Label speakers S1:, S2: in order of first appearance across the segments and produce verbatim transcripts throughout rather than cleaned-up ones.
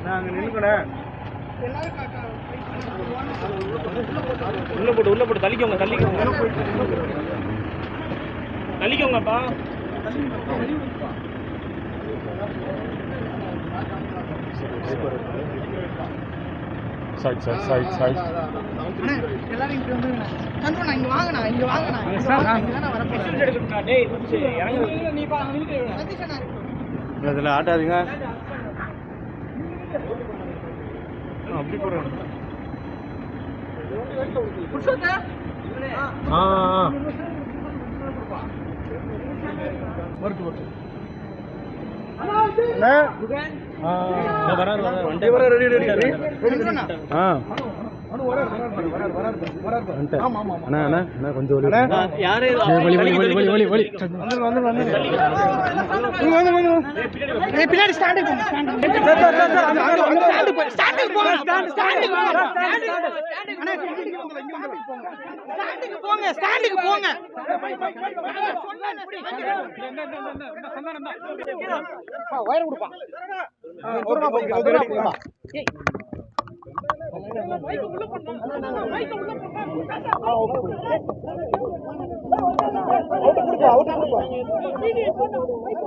S1: உள்ள போட்டு உள்ள போட்டு தள்ளிக்கோங்க தள்ளிக்கோங்க தள்ளிக்கோங்கப்பா.
S2: சைட் சைட் சைட் சைட்
S3: எல்லாரும் இங்க வந்து கண்ட்ரோல் இங்க வாங்கண்ணா இங்க வாங்கண்ணா இங்கதான வரப்போறேன்.
S1: எடுக்கணும்டா டேய் குச்சி இறங்கு
S3: நீ பா நில்லுங்க சதீஷண்ணா
S2: இதுல ஆட்டாதீங்க. அப்படி போறேன்.
S3: புருஷோத்தா
S2: ஆ ஆ
S1: வரட்டு வரட்டு
S2: அண்ணா ஆ
S1: வராரு வராரு வண்டி வர ரெடி ரெடி ரெடி
S2: ஆ அண்ணா அண்ணா அண்ணா கொஞ்சம் ஒலி
S1: யாரே
S2: ஒலி ஒலி ஒலி ஒலி ஒலி ஒலி வந்து வந்து வந்து வந்து வந்து
S3: ஏய் பின்னாடி ஸ்டாண்ட் போங்க stand sir sir sir sir அங்க ஸ்டாண்ட் போங்க ஸ்டாண்ட் போங்க ஸ்டாண்ட் ஸ்டாண்ட் போங்க அண்ணா ஸ்டாண்டுக்கு போங்க ஸ்டாண்டுக்கு போங்க ஆ வயர் கொடுப்பா தூரமா போங்க தூரமா போங்க ஏய் மைக் உள்ள போடுங்க மைக் உள்ள போடுங்க ஆ ஓகே அவுட் கொடுப்பா அவுட் கொடுப்பா வீடியோ போடு மைக்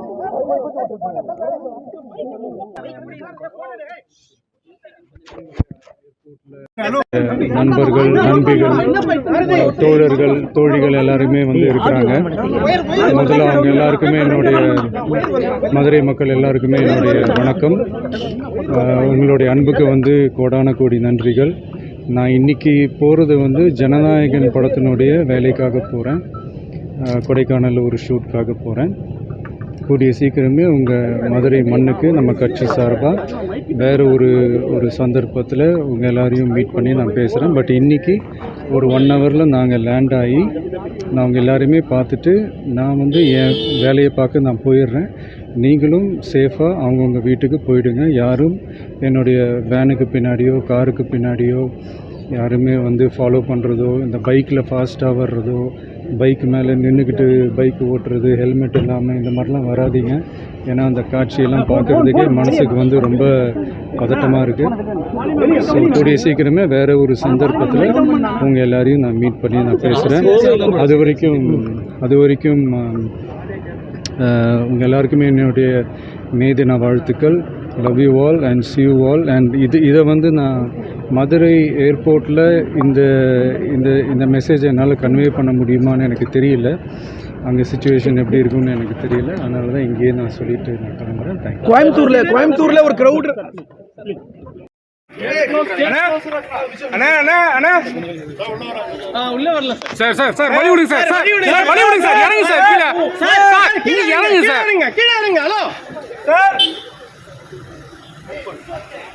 S2: நண்பர்கள் நண்பிகள் தோழர்கள் தோழிகள் எல்லாருமே வந்து இருக்கிறாங்க. முதல்ல அவங்க எல்லாருக்குமே என்னுடைய மதுரை மக்கள் எல்லாருக்குமே என்னுடைய வணக்கம். உங்களுடைய அன்புக்கு வந்து கோடான கோடி நன்றிகள். நான் இன்னைக்கு போகிறது வந்து ஜனநாயகன் படத்தினுடைய வேலைக்காக போகிறேன். கொடைக்கானல் ஒரு ஷூட்காக போகிறேன். கூடிய சீக்கிரமே உங்கள் மதுரை மண்ணுக்கு நம்ம கட்சி சார்பாக வேறு ஒரு ஒரு சந்தர்ப்பத்தில் உங்கள் எல்லாரையும் மீட் பண்ணி நான் பேசுகிறேன். பட் இன்றைக்கி ஒரு ஒன் ஹவரில் நாங்கள் லேண்ட் ஆகி நான் உங்கள் எல்லாரையுமே பார்த்துட்டு நான் வந்து என் வேலையை பார்க்க நான் போயிடுறேன். நீங்களும் சேஃபாக அவங்கவுங்க வீட்டுக்கு போயிடுங்க. யாரும் என்னுடைய வேனுக்கு பின்னாடியோ காருக்கு பின்னாடியோ யாருமே வந்து ஃபாலோ பண்ணுறதோ இந்த பைக்கில் ஃபாஸ்ட்டாக வர்றதோ பைக் மேலே நின்றுக்கிட்டு பைக் ஓட்டுறது ஹெல்மெட் இல்லாமல் இந்த மாதிரிலாம் வராதிங்க. ஏன்னா அந்த காட்சியெல்லாம் பார்க்குறதுக்கே மனசுக்கு வந்து ரொம்ப பதட்டமாக இருக்குது. ஸோ கூடிய சீக்கிரமே வேறு ஒரு சந்தர்ப்பத்தில் உங்கள் எல்லாரையும் நான் மீட் பண்ணி நான் பேசுகிறேன். அது வரைக்கும் அது வரைக்கும் உங்கள் எல்லாருக்குமே என்னுடைய மே தின வாழ்த்துக்கள். Love you all and see you all. And இது இதை வந்து நான் மதுரை ஏர்போர்ட்டில் இந்த இந்த இந்த மெசேஜை என்னால் கன்வே பண்ண முடியுமான்னு எனக்கு தெரியல. அங்கே சுச்சுவேஷன் எப்படி இருக்கும்னு எனக்கு தெரியல. அதனால தான் இங்கேயே நான் சொல்லிட்டு நான் கிளம்புறேன். தேங்க்யூ.
S4: கோயம்புத்தூர்ல கோயம்புத்தூர்ல ஒரு கிரௌட்
S1: உள்ள வரல
S2: சார் சார் சார் வழி விடுங்க சார் சார் வழி விடுங்க சார் இறங்குங்க சார் கீழே சார் இங்க இறங்குங்க சார்
S4: கீழே இறங்குங்க ஹலோ சார்